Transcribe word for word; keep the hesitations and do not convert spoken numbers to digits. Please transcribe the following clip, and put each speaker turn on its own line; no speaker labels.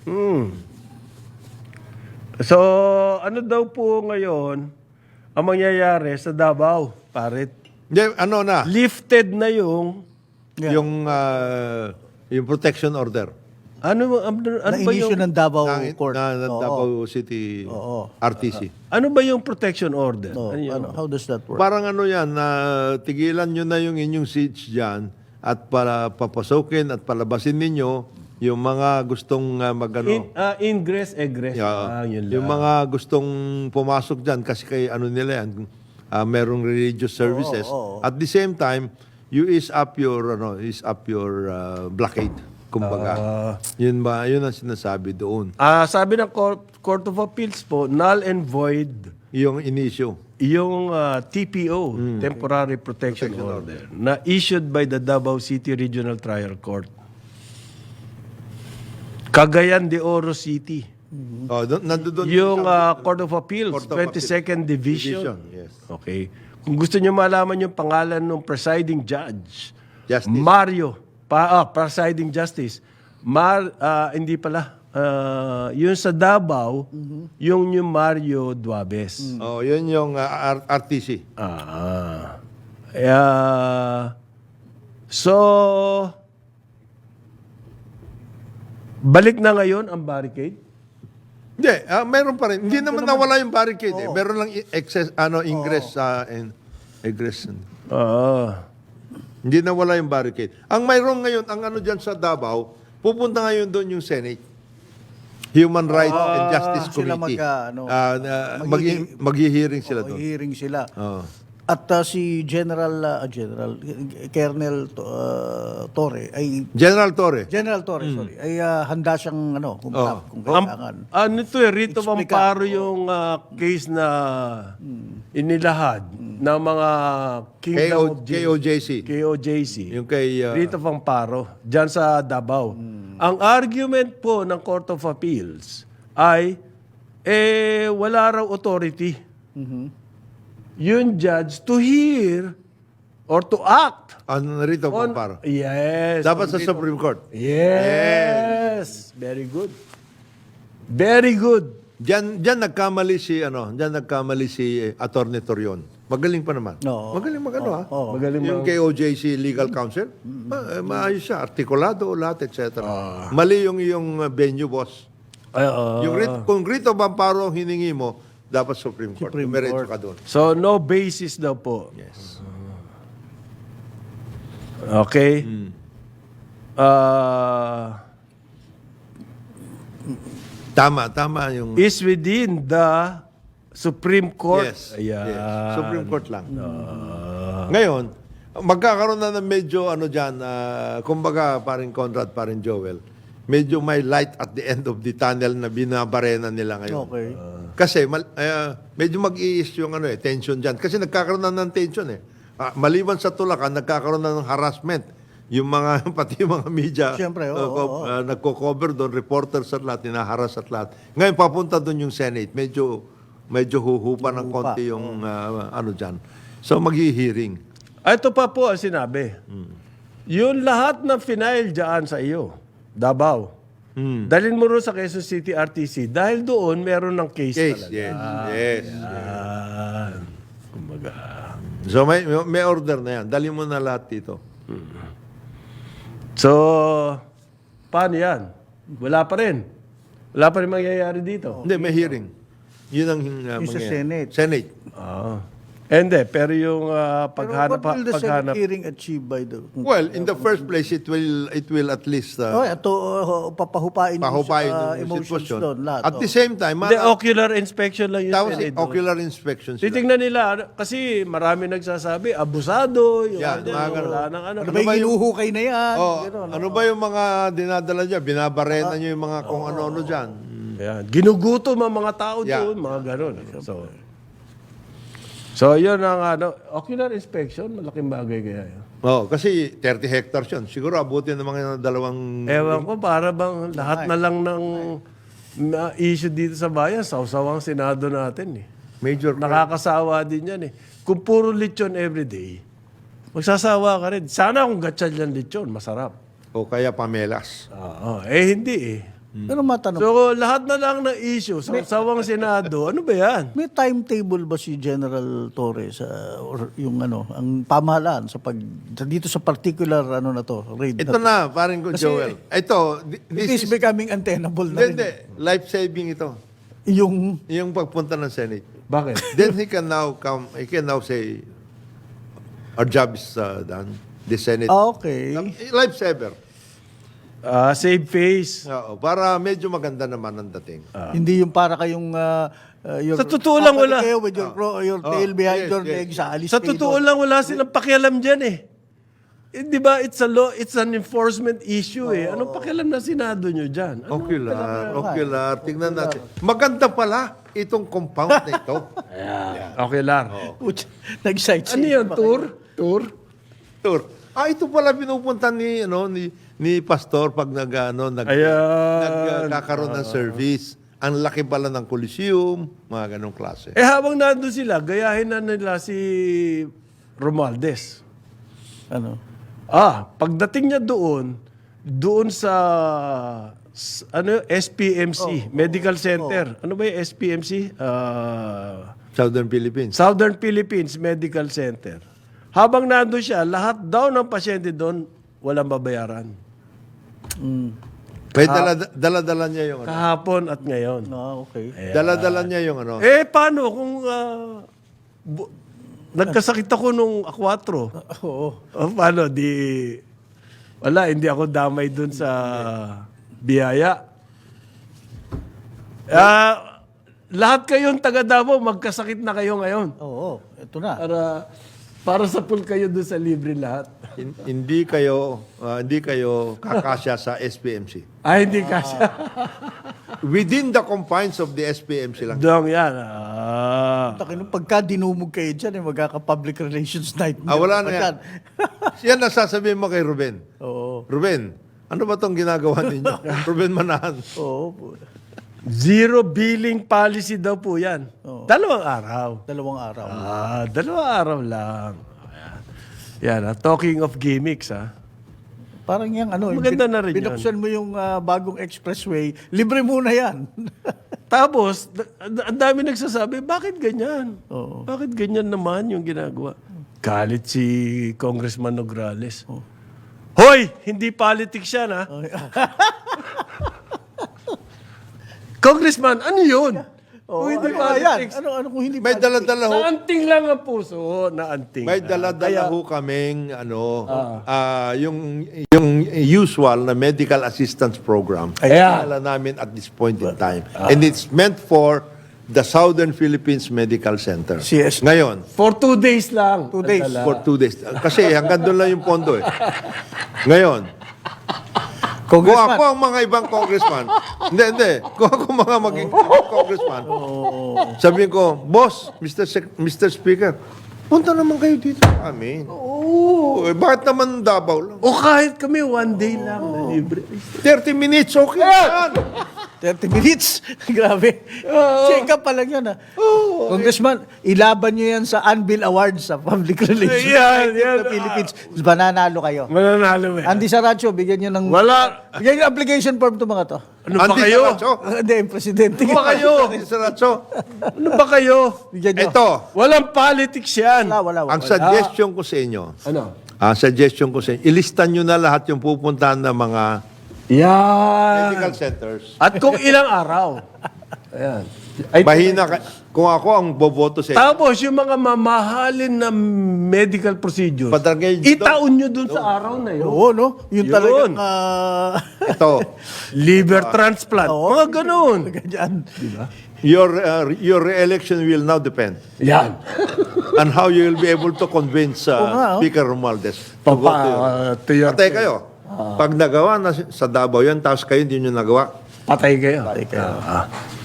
Hmm. So, ano daw po ngayon ang mangyayari sa Davao, parit?
Hindi, ano na,
Lifted na yung
yung ah, yung protection order
ano ano, ano ba
Na-issue
yung
ng Davao
ng,
Court.
na, ng
Oo.
Davao City
Oo.
R T C.
ano ba yung protection order?
Oo,
Ano yun?
ano, how does that work?
Parang ano yan, na tigilan nyo na yung inyong siege dyan at para papasukin at palabasin ninyo yung mga gustong uh, magano.
In, ah, ingress, egress.
Yeah.
Ah, yun
Yung
lang.
mga gustong pumasok dyan kasi kay ano nila yan, ah, merong religious services.
oo.
At the same time, you is up your ano, is up your ah, blockade. Kumbaga.
Ah.
yun ba, yun ang sinasabi doon.
Ah, sabi ng Court, Court of Appeals po, null and void
Yung inisyo.
yung ah, T P O,
Hmm.
Temporary Protection, Order, na issued by the Davao City Regional Trial Court. Cagayan de Oro City.
Oh, doon nandoon
Yung ah, Court of Appeals,
Court of
twenty-second Division.
Division, yes.
Okay. Kung gusto niyo malaman yung pangalan ng presiding judge,
Justice.
Mario, pa, ah, presiding justice, Mar, ah, hindi pala, ah, yung sa Davao, yung yung Mario Duabes.
Oh, yun yung ah, R- RTC.
Ah. Yeah. So, balik na ngayon ang barricade?
Hindi, ah, meron pa rin. Hindi naman nawala yung barricade eh. Meron lang i- excess ano ingress sa and egress.
Ah.
Hindi nawala yung barricade. Ang mayroon ngayon, ang ano diyan sa Davao, pupunta ngayon doon yung Senate. Human Rights and Justice
Sila
Committee.
magka, ano,
Ah, na-
maghi-
maghi- maghihearing sila
Oo,
doon.
hearing sila.
Oo.
At uh, si General, uh, General, Colonel uh, Torre, ay,
General Torre.
General Torre, sorry, ay uh, handa siyang, ano, kung,
Oo.
kung
Ang,
kailangan.
ano to eh, Rito
Explica.
Amparo yung ah, case na inilahad ng mga Kingdom
K O-
of
K O J C.
K O J C.
Yung kay... ah,
Rito Amparo, dyan sa Davao. Ang argument po ng Court of Appeals ay, eh, wala raw authority. Yung judge to hear or to act
ano, Rito
on...
Pamparo.
Yes.
Dapat
on
sa
Rito-
Supreme Court.
Yes. Very good. Very good.
Diyan, diyan nagkamali si, ano, diyan nagkamali si eh, Attorney Torion. Magaling pa naman.
Oo.
Magaling magano ha.
Oo.
Magaling
Yung K O J C Legal Counsel, ma- eh, maayos siya, artikulado, lahat, et cetera. Mali yung iyong uh, venue, boss.
Ay, ah.
Yung writ, kung writ of amparo ang hiningi mo, dapat Supreme Court.
Supreme
Dumiretso
Court.
ka doon.
So, no basis daw po.
Yes.
Okay?
Hmm.
Ah,
Tama, tama yung...
is within the Supreme Court.
Yes.
Ayan.
yes. Supreme Court lang. Ngayon, magkakaroon na ng medyo ano dyan, ah, kumbaga paring Conrad, paring Joel, medyo may light at the end of the tunnel na binabarena nila ngayon.
Okay.
Kasi mal, ah, medyo mag-iis yung ano eh, tension dyan. Kasi nagkakaroon na ng tension eh. Ah, maliban sa tulakan, nagkakaroon na ng harassment. Yung mga, pati yung mga media,
Siyempre, oo,
uh, co-
oo.
ah, nagko-cover doon, reporters at lahat, ninaharas at lahat. Ngayon, papunta doon yung Senate. Medyo, medyo huhupa ng
Huhupa,
konti yung ah, ano dyan. So, maghi-hearing.
Ah, ito pa po ang sinabi. Yung lahat ng final dyan sa iyo, Davao,
Hmm.
dalhin mo rin sa Quezon City R T C dahil doon meron ng case,
Case,
talaga.
yes. Yes.
Ah, kumbaga.
So, may, may order na yan. Dali mo na lahat dito.
So, paano yan? Wala pa rin. Wala pa rin mangyayari dito.
Hindi, may hearing. Yun ang uh,
Yung sa
mangyayari.
Senate.
Senate.
Ah. Hindi, pero yung ah,
Pero
paghanap...
what will the
paghanap
Senate hearing achieve by the...
Well, in the first place, it will it will at least uh,
Oh, ito, uh, papahupain yung,
pahupayin
uh,
yung
emotions
sitwasyon.
doon, lahat.
At
oh.
the same time,
Hindi,
mga,
ocular inspection lang yun.
tapos
Senate.
ocular inspection sila.
Titingnan nila, ano, kasi marami nagsasabi, abusado, yung
Yan,
ganyan,
mga ganun.
wala nang ano.
Ano ba yung hinuhukay na yan?
Oh,
Gano'n,
ano ba yung mga dinadala niya? Binabarena niyo yung mga kung ano-ano dyan.
Yan. Ginugutom ang mga tao
Yeah.
doon, mga ganun. So, so yun ang ano, ocular inspection, malaking bagay kaya yun.
Oh, kasi thirty hectares yun. Siguro abutin ng mga dalawang...
Ewan ko, para bang lahat na lang ng na issue dito sa bayan, sausawang Senado natin eh.
Major...
Nakakasawa din yan eh. Kung puro lechon everyday, magsasawa ka rin. Sana kung gatsan yan lechon, masarap.
O kaya pamelas.
Oo. Eh, hindi eh.
Pero matanong,
So, lahat na lang ng issue sa sawang Senado, ano ba yan?
may timetable ba si General Torres sa or yung ano, ang pamahalaan sa pag sa- dito sa particular ano na to, raid
Ito
na to?
na, parin ko,
Kasi-
Joel. Ito, thi-
It
this
is
is...
becoming untenable na
Hindi,
rin.
hindi. Life-saving ito.
Yung
Yung pagpunta ng Senate.
Bakit?
Then he can now come, he can now say, our job is uh, done. The Senate.
ah, okay.
Lifesaver.
Ah, save face.
Oo, para medyo maganda naman ang dating.
Hindi yung para kayong uh, uh, your,
Sa totoo lang,
babalik
wala.
kayo with your, pro- your
Oh,
tail behind
yes,
your
yes.
legs sa alis
Sa
kayo
totoo
doon.
lang, wala silang pakialam dyan eh. Eh, di ba, it's a law, it's an enforcement issue eh. Anong pakialam na Senado nyo dyan? Ano?
Ocular, ocular. Tingnan natin. Maganda pala itong compound na ito.
Okay lang.
Putz, Nag-sightseeing.
Ano yun,
ba
tour? Tour?
Tour. Ah, ito pala pinupunta ni, ano, ni, ni Pastor pag nag, ano, nag,
Ayan.
nagkakaroon ng service. Ang laki pala ng Coliseum, mga ganong klase.
Eh, habang nandun sila, gayahin na nila si Romualdez.
Ano?
Ah, pagdating niya doon, doon sa, s- ano, S P M C, Medical Center. Ano ba yung S P M C? Ah...
Southern Philippines.
Southern Philippines Medical Center. Habang nandun siya, lahat daw ng pasyente doon, walang babayaran.
May dala, dala-dala niya yung ano.
Kahapon at ngayon.
Ah, okay.
Dala-dala niya yung ano.
Eh, paano kung ah, bu- nagkasakit ako nung akwatro?
Oo.
O, paano? Di, wala, hindi ako damay doon sa biyaya. Ah, lahat kayong taga Davao, magkasakit na kayo ngayon.
Oo, ito na.
Para para sa pool kayo doon sa libre lahat.
Hin- hindi kayo ah, hindi kayo kakasya sa S P M C.
Ay, hindi kasi.
Within the confines of the S P M C lang.
Dong yan. Ah.
Takin, pagka dinumog kayo dyan, eh, magkaka-public relations night.
Ah, wala na
Pa
yan.
dyan.
Yan ang sasabihin mo kay Ruben.
Oo.
Ruben, ano ba tong ginagawa ninyo? Ruben Manahan.
Oo. po.
Zero billing policy daw po yan. Dalawang araw.
Dalawang araw.
Ah, dalawang araw lang. Ayan. Yan, ah, talking of gimmicks, ah.
Parang yung ano, yung
Maganda
bin-
na rin yun.
binuksan mo yung ah, bagong expressway, libre muna yan.
Tapos, da- da- ang dami nagsasabi, bakit ganyan?
Oo.
Bakit ganyan naman yung ginagawa? Galit si Congressman Nograles. Hoy! Hindi politics yan, ha? Congressman, ano yun?
Oo,
Kung hindi
ano nga yan?
politics.
Ano, ano kung hindi
May dala-dala ho.
Naanting lang ang puso. Naanting.
May
Kaya-
dala-dala ho kaming ano, ah, yung yung usual na medical assistance program.
Ayan.
Dala namin at this point in time. And it's meant for the Southern Philippines Medical Center.
C S.
Ngayon,
For two days lang.
Two days.
Nadala.
for two days. Kasi hanggang doon lang yung pondo eh. Ngayon, kung
Congressman.
ako ang mga ibang congressman, hindi, hindi. Kung ako mga maging ibang congressman, sabihin ko, boss, Mister Sec- Mister Speaker, punta naman kayo dito sa amin. Oo. Eh, bakit naman Davao lang?
O kahit kami, one day lang na libre.
thirty minutes, okay yan.
thirty minutes. Grabe. Check up pa lang yun, ha? Congressman, ilaban nyo yan sa Anvil Awards sa Public Relations
Yan,
Night
yan.
of the Philippines. Mananalo kayo.
Mananalo eh.
Andy Saracho, bigyan nyo ng...
Wala.
Bigyan nyo ng application form to mga to.
Ano ba
Andy
kayo?
Saracho.
Hindi, yung presidente.
Ano ba kayo?
Andy Saracho.
Ano ba kayo?
Bigyan nyo.
Ito,
Walang politics yan.
Wala, wala, wala.
ang suggestion ko sa inyo,
Ano?
ang suggestion ko sa inyo, ilistan nyo na lahat yung pupuntahan ng mga
Yan.
medical centers.
At kung ilang araw. Ayan. Ay,
Mahina ka. Kung ako ang boboto sa inyo,
tapos yung mga mamahalin na medical procedures,
Padrangay-
itaon nyo dun sa araw na yun.
Oo, no? Yun,
Yun.
talagang... ah,
ito,
Liver transplant.
Oo.
Mga ganun.
ganyan.
your uh, your re-election will now depend
Yan.
on how you will be able to convince uh,
Oo nga, oh.
Speaker Romualdez to go
Papa,
to your...
uh, to your
Patay kayo. Pag nagawa na sa Davao yan, tapos kayo hindi nyo nagawa,
Patay kayo. Patay kayo. Ah.